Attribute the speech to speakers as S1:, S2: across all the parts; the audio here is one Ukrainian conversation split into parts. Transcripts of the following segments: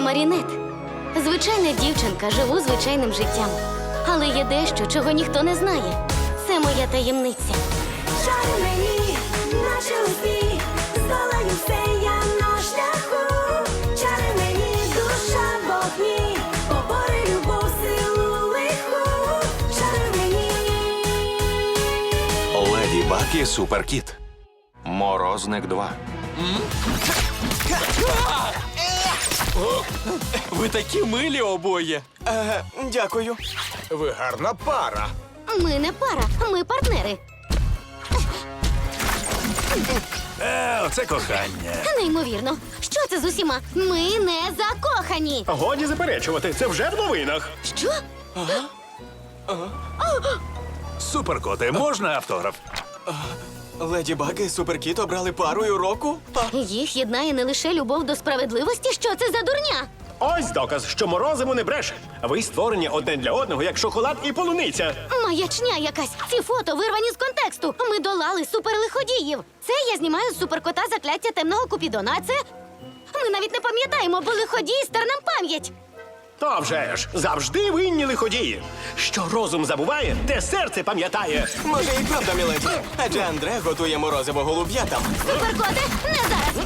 S1: Марінет. Звичайна дівчинка, живу звичайним життям. Але є дещо, чого ніхто не знає. Це моя таємниця.
S2: Шари мені, наші усі, здолаю все я на шляху. Чари мені, душа в вогні, побори любов, силу лиху. Шари мені.
S3: Леді Баг і Суперкіт. Морозник 2.
S4: Ви такі милі обоє.
S5: Дякую.
S6: Ви гарна пара.
S1: Ми не пара, ми партнери.
S6: Оце кохання.
S1: Неймовірно. Що це з усіма? Ми не закохані.
S7: Годі заперечувати, це вже в новинах.
S1: Що?
S6: Суперкоти, можна автограф?
S5: Леді Баг і Суперкіт обрали парою року?
S1: Їх єднає не лише любов до справедливості. Що це за дурня?
S7: Ось доказ, що морозиво не бреше. Ви створені одне для одного, як шоколад і полуниця.
S1: Маячня якась. Ці фото вирвані з контексту. Ми долали суперлиходіїв. Це я знімаю з суперкота закляття темного Купідона, а це... Ми навіть не пам'ятаємо, бо лиходій стер нам пам'ять.
S7: То вже ж, завжди винні лиходії. Що розум забуває, те серце пам'ятає.
S5: Може, і правда, міледі. Адже Андре готує морозиво голуб'ятам.
S1: Суперкоте, не зараз.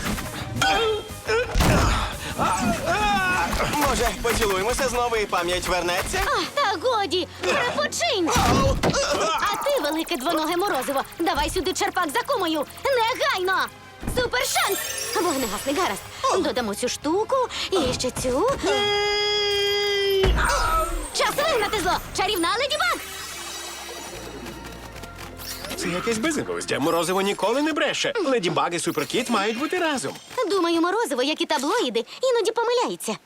S5: Може, поцілуємося знову і пам'ять вернеться?
S1: Та годі, припочинь. А ти, велике двоноге морозиво, давай сюди черпак за кумою. Негайно! Супершанс! Вогнегасний гаразд. Додамо цю штуку і ще цю. Час вигнати зло! Чарівна Леді Баг!
S7: Це якесь безглуздя. Морозиво ніколи не бреше. Леді Баг і Суперкіт мають бути разом.
S1: Думаю, морозиво, як і таблоїди, іноді помиляється.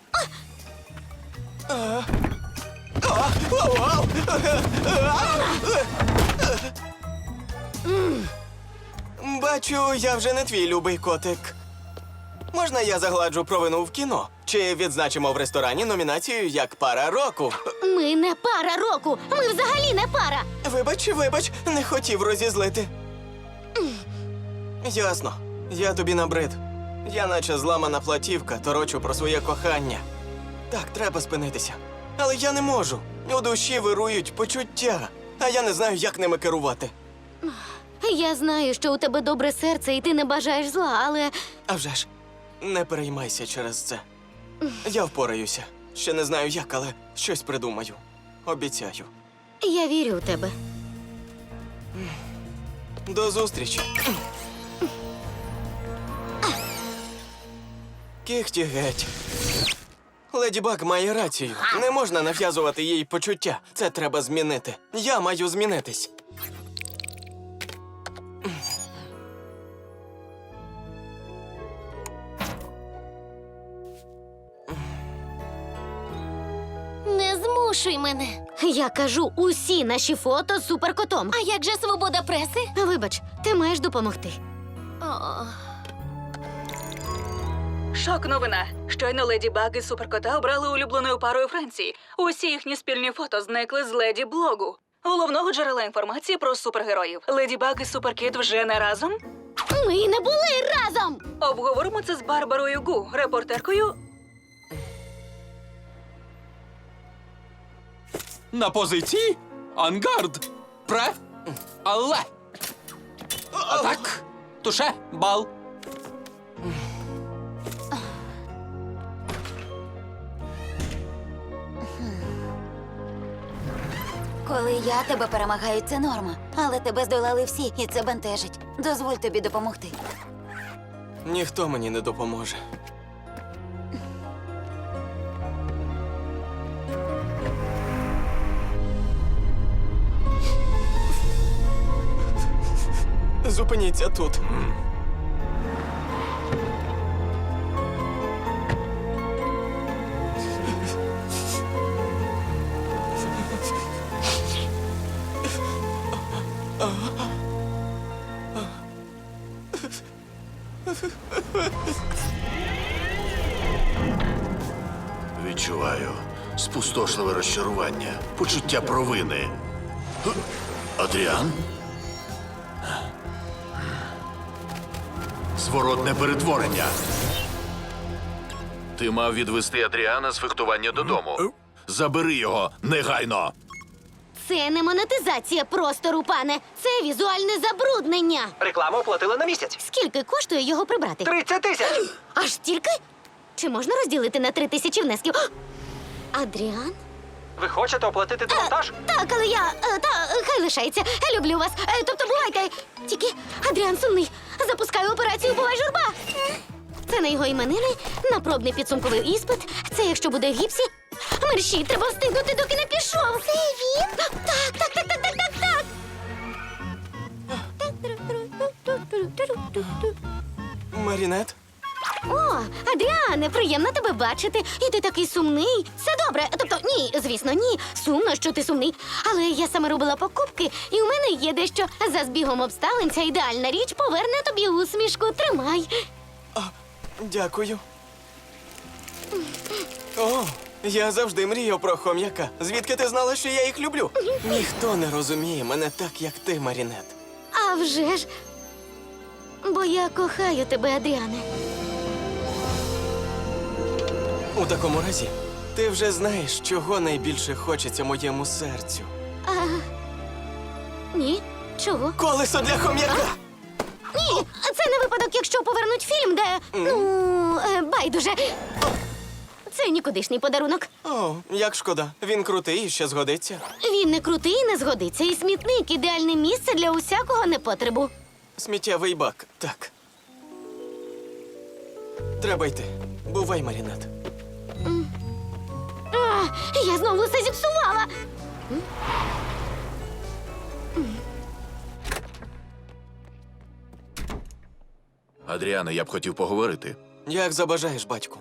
S5: Бачу, я вже не твій любий котик. Можна я загладжу провину в кіно? Чи відзначимо в ресторані номінацію як пара року?
S1: Ми не пара року! Ми взагалі не пара!
S5: Вибач, не хотів розізлити. Ясно. Я тобі набрид. Я наче зламана платівка, торочу про своє кохання. Так, треба спинитися. Але я не можу. У душі вирують почуття, а я не знаю, як ними керувати.
S1: Я знаю, що у тебе добре серце і ти не бажаєш зла, але...
S5: А вже ж, не переймайся через це. Я впораюся. Ще не знаю як, але щось придумаю. Обіцяю.
S1: Я вірю у тебе.
S5: До зустрічі. Кіхті геть. Леді Баг має рацію. Не можна нав'язувати їй почуття. Це треба змінити. Я маю змінитись.
S1: Не змушуй мене. Я кажу, усі наші фото з суперкотом. А як же свобода преси? Вибач, ти маєш допомогти.
S8: Шок новина. Щойно Леді Баг і Суперкота обрали улюбленою парою Франції. Усі їхні спільні фото зникли з Леді Блогу, головного джерела інформації про супергероїв. Леді Баг і Суперкіт вже не разом?
S1: Ми й не були разом!
S8: Обговоримо це з Барбарою Гу, репортеркою.
S4: На позиції? Ангард. Пре. Але. Атак. Туше. Бал.
S9: Коли я тебе перемагаю, це норма. Але тебе здолали всі, і це бентежить. Дозволь тобі допомогти.
S5: Ніхто мені не допоможе. Зупиніться тут.
S10: Відчуваю спустошливе розчарування, почуття провини. Адріан? Зворотне перетворення. Ти мав відвести Адріана з фехтування додому. Забери його негайно.
S1: Це не монетизація простору, пане. Це візуальне забруднення.
S7: Рекламу оплатили на місяць.
S1: Скільки коштує його прибрати?
S7: 30 тисяч!
S1: Аж стільки? Чи можна розділити на 3000 внесків? Адріан?
S7: Ви хочете оплатити демонтаж?
S1: Так, але я. Хай лишається. Люблю вас. Тобто бувайте. Тільки Адріан сумний. Запускаю операцію «Бувай журба». Це на його іменини, на пробний підсумковий іспит. Це якщо буде в гіпсі. Мерщій, треба встигнути, доки не пішов. Це він? Так.
S5: Марінет?
S1: О, Адріане, приємно тебе бачити. І ти такий сумний. Все добре. Тобто, ні, звісно, ні. Сумно, що ти сумний. Але я саме робила покупки, і у мене є дещо. За збігом обставин ця ідеальна річ поверне тобі усмішку. Тримай.
S5: Дякую. О, я завжди мріяв про хом'яка. Звідки ти знала, що я їх люблю? Ніхто не розуміє мене так, як ти, Марінет.
S1: А вже ж. Бо я кохаю тебе, Адріане.
S5: У такому разі, ти вже знаєш, чого найбільше хочеться моєму серцю.
S1: Ні? Чого?
S5: Колесо для хом'яка!
S1: Ні! Це не випадок, якщо повернуть фільм, де. Байдуже. Це нікудишній подарунок.
S5: О, як шкода. Він крутий і ще згодиться.
S1: Він не крутий і не згодиться. І смітник ідеальне місце для усякого непотребу.
S5: Сміттєвий бак, так. Треба йти. Бувай, Марінет.
S1: Я знову все зіпсувала.
S10: Адріане, я б хотів поговорити.
S5: Як забажаєш, батьку.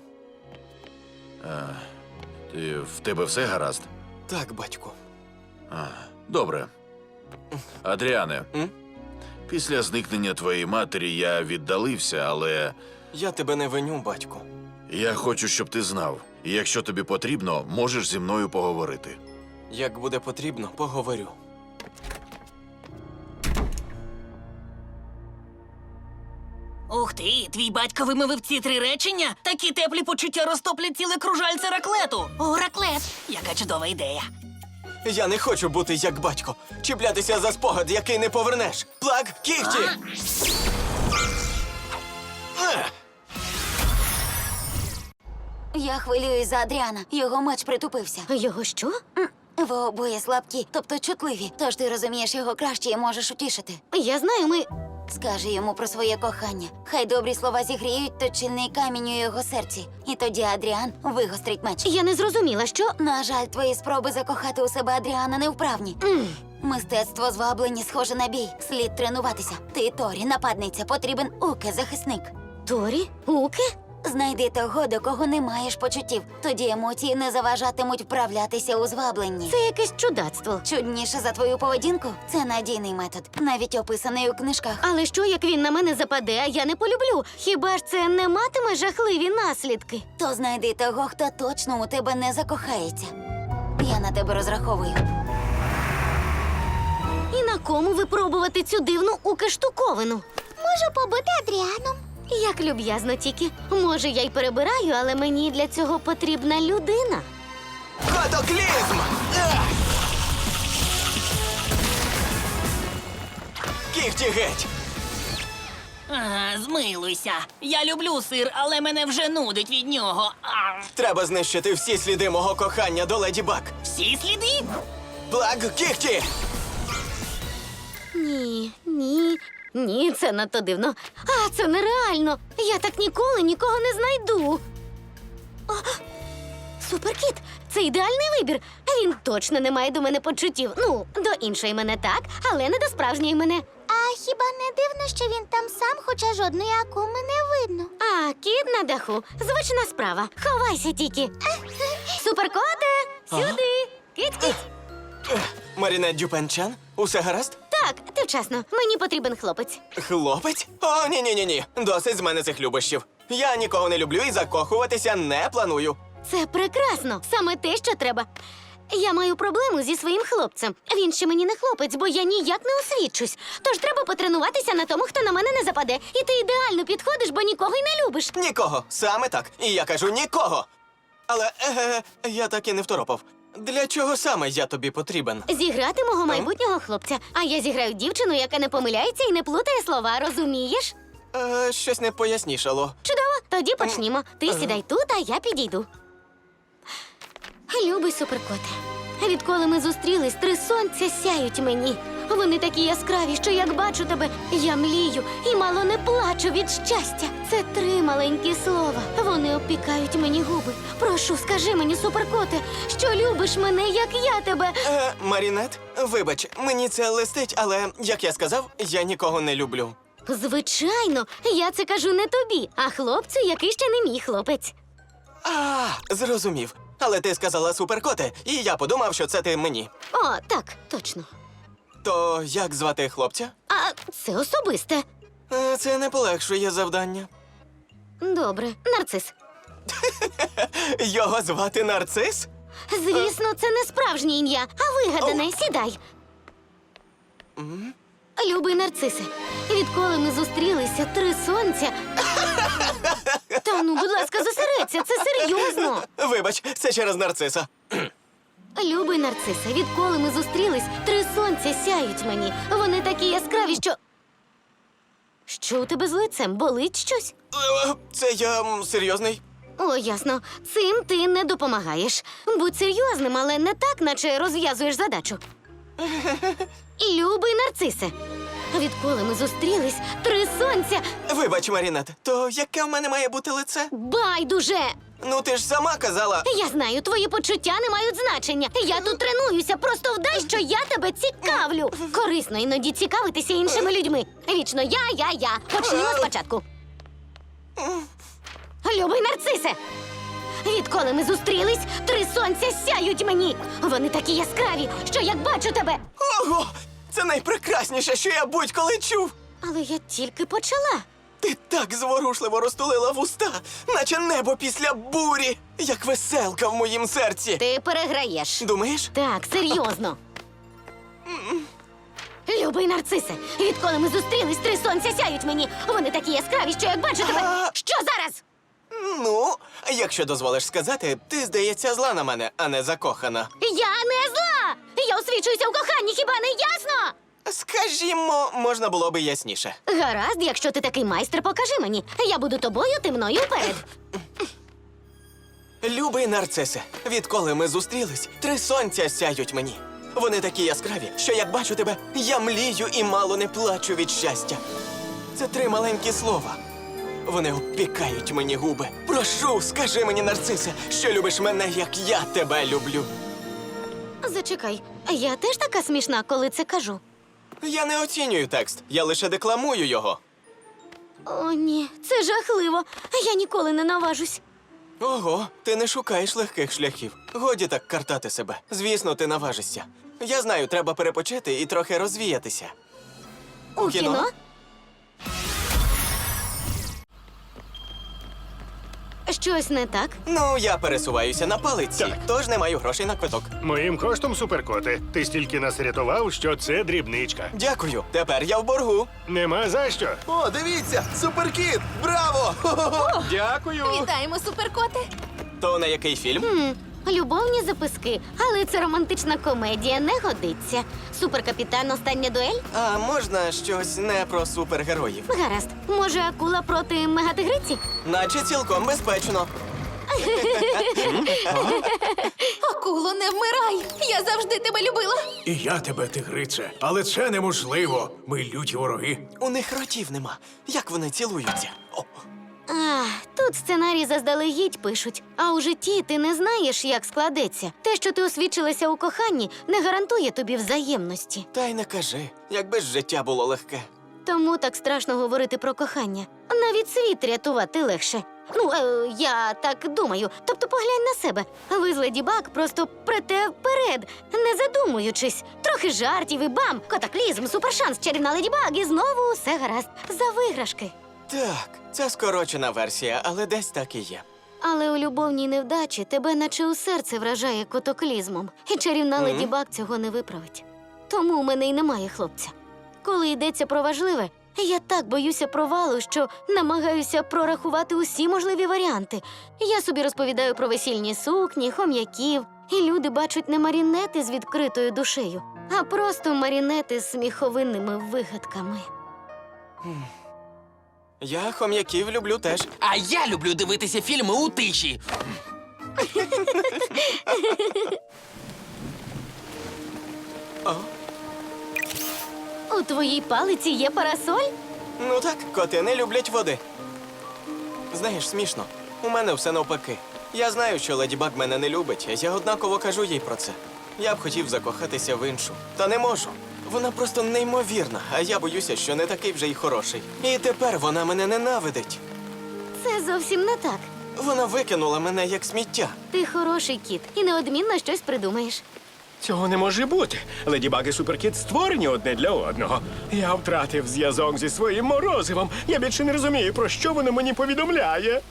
S10: В тебе все гаразд?
S5: Так, батьку.
S10: Добре. Адріане,
S5: М?
S10: після зникнення твоєї матері я віддалився, але
S5: Я тебе не виню, батьку.
S10: я хочу, щоб ти знав. І якщо тобі потрібно, можеш зі мною поговорити.
S5: Як буде потрібно, поговорю.
S11: Ух ти, твій батько вимовив ці 3 речення? Такі теплі почуття розтоплять ціле кружальце раклету. О, раклет! Яка чудова ідея.
S5: Я не хочу бути як батько. Чіплятися за спогад, який не повернеш. Плаг, кіхті!
S9: Я хвилююсь за Адріана. Його меч притупився.
S1: Його що?
S9: Ви обоє слабкі, тобто чутливі. Тож ти розумієш його краще і можеш утішити.
S1: Я знаю, ми.
S9: Скажи йому про своє кохання. Хай добрі слова зігріють точильний камінь у його серці. І тоді Адріан вигострить меч.
S1: Я не зрозуміла, що.
S9: На жаль, твої спроби закохати у себе Адріана невправні. Мистецтво зваблення схоже на бій. Слід тренуватися. Ти Торі, нападниця, потрібен Уке, захисник.
S1: Торі? Уке?
S9: Знайди того, до кого не маєш почуттів. Тоді емоції не заважатимуть вправлятися у звабленні.
S1: Це якесь чудацтво.
S9: Чудніше за твою поведінку? Це надійний метод, навіть описаний у книжках.
S1: Але що, як він на мене западе, а я не полюблю? Хіба ж це не матиме жахливі наслідки?
S9: То знайди того, хто точно у тебе не закохається. Я на тебе розраховую.
S1: І на кому випробувати цю дивну уке-штуковину?
S2: Можу побути Адріаном.
S1: Як люб'язно тільки. Може, я й перебираю, але мені для цього потрібна людина.
S5: Катаклізм! Кіхті геть!
S11: Ага, змилуйся. Я люблю сир, але мене вже нудить від нього.
S5: Треба знищити всі сліди мого кохання до Леді Баг.
S11: Всі сліди?
S5: Плаг, кіхті!
S1: Ні, це надто дивно. А, це нереально. Я так ніколи нікого не знайду. О, Суперкіт, це ідеальний вибір. Він точно не має до мене почуттів. Ну, до іншої мене так, але не до справжньої мене.
S2: А хіба не дивно, що він там сам, хоча жодної акуми не видно?
S1: А, кіт на даху. Звична справа. Ховайся тільки. Суперкоте, сюди. Киць-киць.
S5: Марінет Дюпенчан, усе гаразд?
S1: Так, ти вчасно. Мені потрібен хлопець.
S5: Хлопець? О, ні. Досить з мене цих любощів. Я нікого не люблю і закохуватися не планую.
S1: Це прекрасно. Саме те, що треба. Я маю проблему зі своїм хлопцем. Він ще мені не хлопець, бо я ніяк не освідчусь. Тож треба потренуватися на тому, хто на мене не западе. І ти ідеально підходиш, бо нікого й не любиш.
S5: Нікого, саме так. І я кажу нікого. Але я так і не второпав. Для чого саме я тобі потрібен?
S1: Зіграти мого майбутнього хлопця. А я зіграю дівчину, яка не помиляється і не плутає слова, розумієш?
S5: Щось не пояснішало.
S1: Чудово, тоді почнімо. Ти сідай тут, а я підійду. Любий суперкоте, відколи ми зустрілись, 3 сонця сяють мені. Вони такі яскраві, що як бачу тебе, я млію і мало не плачу від щастя. Це 3 маленькі слова. Вони обпікають мені губи. Прошу, скажи мені, суперкоте, що любиш мене, як я тебе.
S5: Марінет, вибач, мені це листить, але, як я сказав, я нікого не люблю.
S1: Звичайно, я це кажу не тобі, а хлопцю, який ще не мій хлопець.
S5: Зрозумів. Але ти сказала суперкоте, і я подумав, що це ти мені.
S1: О, так, точно.
S5: То як звати хлопця?
S1: А це особисте.
S5: Це не полегшує завдання.
S1: Добре, нарцис.
S5: Його звати Нарцис?
S1: Звісно, це не справжнє ім'я, а вигадане. Сідай. Любий нарцисе, відколи ми зустрілися, 3 сонця. Та ну, будь ласка, зосередься, це серйозно.
S5: Вибач, це через Нарциса.
S1: Любий нарцисе, відколи ми зустрілись, 3 сонця сяють мені. Вони такі яскраві, що. Що у тебе з лицем? Болить щось?
S5: Це я серйозний.
S1: О, ясно. Цим ти не допомагаєш. Будь серйозним, але не так, наче розв'язуєш задачу. Любий нарцисе, відколи ми зустрілись, 3 сонця.
S5: Вибач, Марінет, то яке в мене має бути лице?
S1: Байдуже!
S5: Ну ти ж сама казала.
S1: Я знаю, твої почуття не мають значення. Я тут тренуюся, просто вдай, що я тебе цікавлю. Корисно іноді цікавитися іншими людьми. Вічно я. Почнімо спочатку. Любий нарцисе! Відколи ми зустрілись, 3 сонця сяють мені. Вони такі яскраві, що як бачу тебе.
S5: Ого! Це найпрекрасніше, що я будь-коли чув.
S1: Але я тільки почала.
S5: Ти так зворушливо розтулила вуста, наче небо після бурі, як веселка в моїм серці.
S1: Ти переграєш.
S5: Думаєш?
S1: Так, серйозно. Любий нарцисе, відколи ми зустрілись, 3 сонця сяють мені. Вони такі яскраві, що як бачу тебе. Що зараз?
S5: Ну, якщо дозволиш сказати, ти, здається, зла на мене, а не закохана.
S1: Я не зла! Я освічуюся у коханні, хіба не ясно?
S5: Скажімо, можна було би ясніше.
S1: Гаразд, якщо ти такий майстер, покажи мені. Я буду тобою, ти мною вперед.
S5: Любий нарцисе, відколи ми зустрілись, 3 сонця сяють мені. Вони такі яскраві, що як бачу тебе, я млію і мало не плачу від щастя. Це 3 маленькі слова. Вони обпікають мені губи. Прошу, скажи мені, нарцисе, що любиш мене, як я тебе люблю.
S1: Зачекай, я теж така смішна, коли це кажу.
S5: Я не оцінюю текст, я лише декламую його.
S1: О, ні, це жахливо. Я ніколи не наважусь.
S5: Ого, ти не шукаєш легких шляхів. Годі так картати себе. Звісно, ти наважишся. Я знаю, треба перепочити і трохи розвіятися.
S1: У кіно? Щось не так?
S5: Ну, я пересуваюся на палиці, тож не маю грошей на квиток.
S7: Моїм коштом, суперкоте. Ти стільки нас рятував, що це дрібничка.
S5: Дякую, тепер я в боргу.
S7: Нема за що.
S5: О, дивіться, суперкіт! Браво!
S4: Дякую.
S9: Вітаємо, суперкоте!
S5: То на який фільм?
S1: Любовні записки, але це романтична комедія, не годиться. Суперкапітан, остання дуель?
S5: А можна щось не про супергероїв?
S1: Гаразд. Може, акула проти мегатигриці?
S5: Наче цілком безпечно.
S9: Акуло, не вмирай! Я завжди тебе любила!
S6: І я тебе, тигрице, але це неможливо. Ми люті вороги.
S5: У них ротів нема. Як вони цілуються? О,
S1: Тут сценарій заздалегідь пишуть. А у житті ти не знаєш, як складеться. Те, що ти освічилася у коханні, не гарантує тобі взаємності.
S5: та й не кажи, якби ж життя було легке.
S1: Тому так страшно говорити про кохання. Навіть світ рятувати легше. Ну, я так думаю. Тобто поглянь на себе. Ви з Леді Баг просто прете вперед, не задумуючись. Трохи жартів і бам! Катаклізм, супершанс, чарівна Леді Баг і знову усе гаразд. За виграшки.
S5: Так, це скорочена версія, але десь так і є.
S1: Але у любовній невдачі тебе наче у серце вражає котоклізмом. І чарівна Леді Баг цього не виправить. Тому у мене й немає хлопця. Коли йдеться про важливе, я так боюся провалу, що намагаюся прорахувати усі можливі варіанти. Я собі розповідаю про весільні сукні, хом'яків, і люди бачать не марінети з відкритою душею, а просто марінети з сміховинними вигадками.
S5: Я хом'яків люблю теж.
S4: А я люблю дивитися фільми у тиші.
S1: У твоїй палиці є парасоль?
S5: Ну так, коти не люблять води. Знаєш, смішно. У мене все навпаки. Я знаю, що Леді Баг мене не любить, а я однаково кажу їй про це. Я б хотів закохатися в іншу, та не можу. Вона просто неймовірна, а я боюся, що не такий вже й хороший. І тепер вона мене ненавидить.
S1: Це зовсім не так.
S5: Вона викинула мене як сміття.
S1: Ти хороший кіт і неодмінно щось придумаєш.
S7: Цього не може бути. Леді Баг і Суперкіт створені одне для одного. Я втратив зв'язок зі своїм морозивом. Я більше не розумію, про що воно мені повідомляє.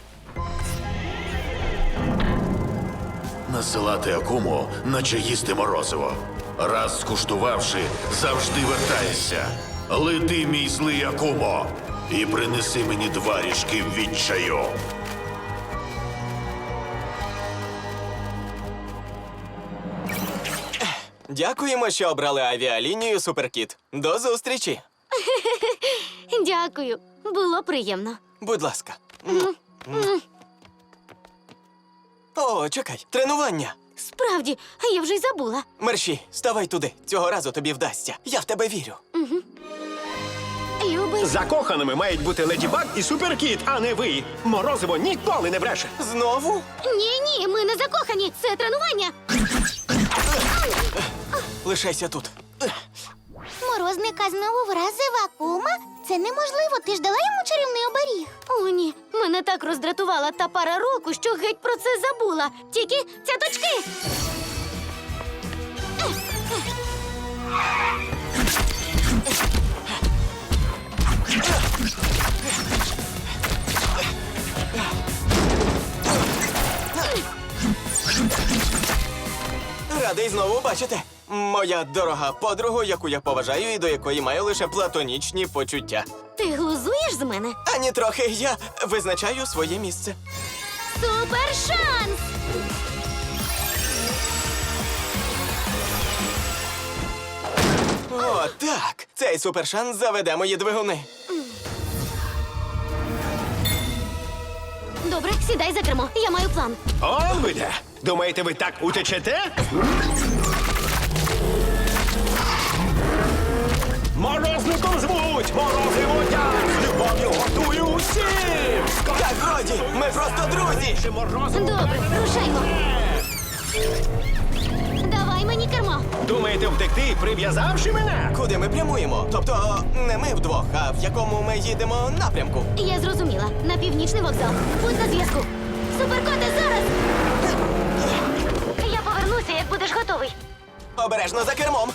S10: Насилати акуму, наче їсти морозиво. Раз скуштувавши, завжди вертайся. Лети, мій злий акумо, і принеси мені 2 ріжки відчаю.
S5: Дякуємо, що обрали авіалінію Суперкіт. До зустрічі.
S1: Дякую. Було приємно.
S5: Будь ласка. О, чекай, тренування.
S1: Справді, я вже й забула.
S5: Мерші, ставай туди. Цього разу тобі вдасться. Я в тебе вірю.
S1: Любий.
S7: Закоханими мають бути Леді Баг і Суперкіт, а не ви. Морозиво ніколи не бреше.
S5: Знову?
S1: Ні, ми не закохані. Це тренування.
S5: Лишайся тут.
S9: Морозника знову вразив Акума? Це неможливо, ти ж дала йому чарівний оберіг.
S1: О, ні. Мене так роздратувала та пара року, що геть про це забула. Тільки цяточки.
S5: Радий знову бачити. Моя дорога подруга, яку я поважаю і до якої маю лише платонічні почуття.
S1: Ти глузуєш з мене?
S5: Ані трохи, я визначаю своє місце.
S1: Супер шанс!
S5: О, так! Цей супершанс заведе мої двигуни.
S1: Добре, сідай за кермо. Я маю план.
S7: Он ви де. Думаєте, ви так утечете? Морозником звуть! Морозиво я! З любов'ю готую усім!
S5: Так, годі! Ми просто друзі!
S1: Добре, рушаймо. Давай мені кермо.
S7: Думаєте втекти, прив'язавши мене?
S5: Куди ми прямуємо? Тобто, не ми вдвох, а в якому ми їдемо напрямку.
S1: Я зрозуміла. На північний вокзал. Будь на зв'язку. Суперкоте, зараз! Я повернуся, як будеш готовий.
S5: Обережно за кермом.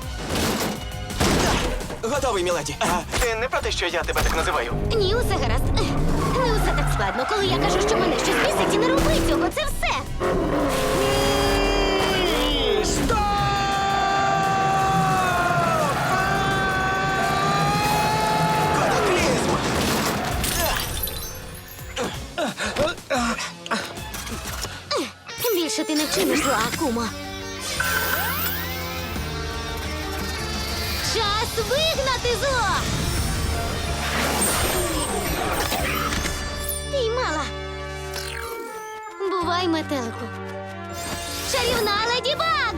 S5: Готовий, міледі. А ти не про те, що я тебе так називаю?
S1: Ні, усе гаразд. Не усе так складно. Коли я кажу, що мене щось бісить, і не роби цього. Це все.
S7: Стоп!
S5: Катаклізм!
S1: Більше ти не вчиниш зла, Акумо. Час вигнати зло! Піймала. Бувай, метелику. Чарівна Леді Баг!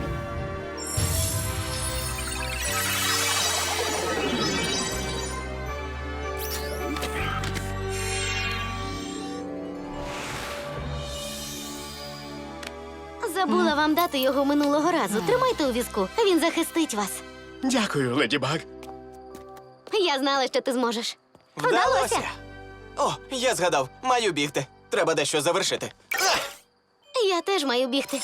S1: Забула вам дати його минулого разу. Тримайте у візку, він захистить вас.
S7: Дякую, Леді Баг.
S1: Я знала, що ти зможеш.
S5: Вдалося! О, я згадав, маю бігти. Треба дещо завершити.
S1: Я теж маю бігти.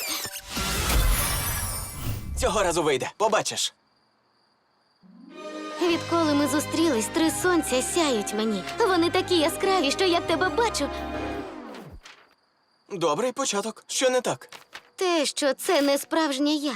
S5: Цього разу вийде, побачиш.
S1: Відколи ми зустрілись, 3 сонця сяють мені. Вони такі яскраві, що я тебе бачу.
S5: Добрий початок. Що не так?
S1: Те, що це не справжнє я.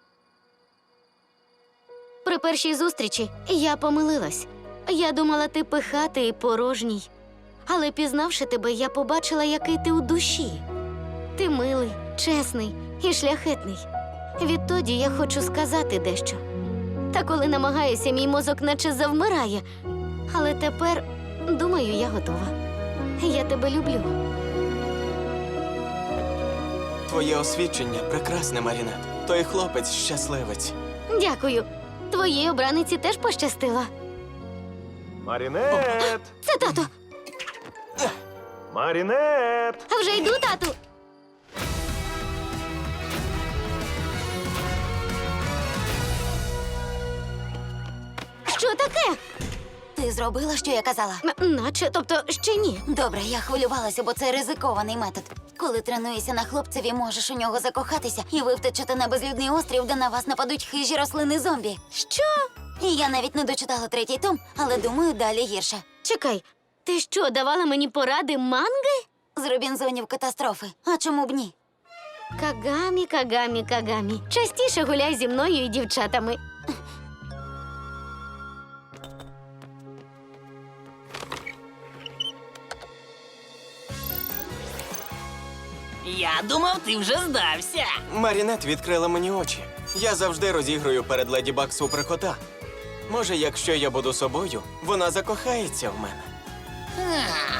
S1: При першій зустрічі я помилилась. Я думала, ти пихатий і порожній. Але пізнавши тебе, я побачила, який ти у душі. Ти милий, чесний і шляхетний. Відтоді я хочу сказати дещо. Та коли намагаюся, мій мозок наче завмирає. Але тепер, думаю, я готова. Я тебе люблю.
S5: Твоє освідчення прекрасне, Марінет. Той хлопець щасливець.
S1: Дякую. Твоїй обраниці теж пощастило.
S6: Марінет!
S1: Це тато.
S6: Марінет!
S1: Вже йду, тату. Що таке?
S9: Ти зробила, що я казала?
S1: Наче, тобто, ще ні.
S9: Добре, я хвилювалася, бо це ризикований метод. Коли тренуєшся на хлопцеві, можеш у нього закохатися, і ви втечете на безлюдний острів, де на вас нападуть хижі рослини зомбі.
S1: Що?
S9: І я навіть не дочитала 3-й том, але думаю, далі гірше.
S1: Чекай, ти що, давала мені поради манги?
S9: З Робінзонів катастрофи. А чому б ні?
S1: Кагамі, Кагамі, Кагамі. Частіше гуляй зі мною і дівчатами.
S11: Я думав, ти вже здався.
S5: Марінет відкрила мені очі. Я завжди розіграю перед Леді Баг суперкота. Може, якщо я буду собою, вона закохається в мене.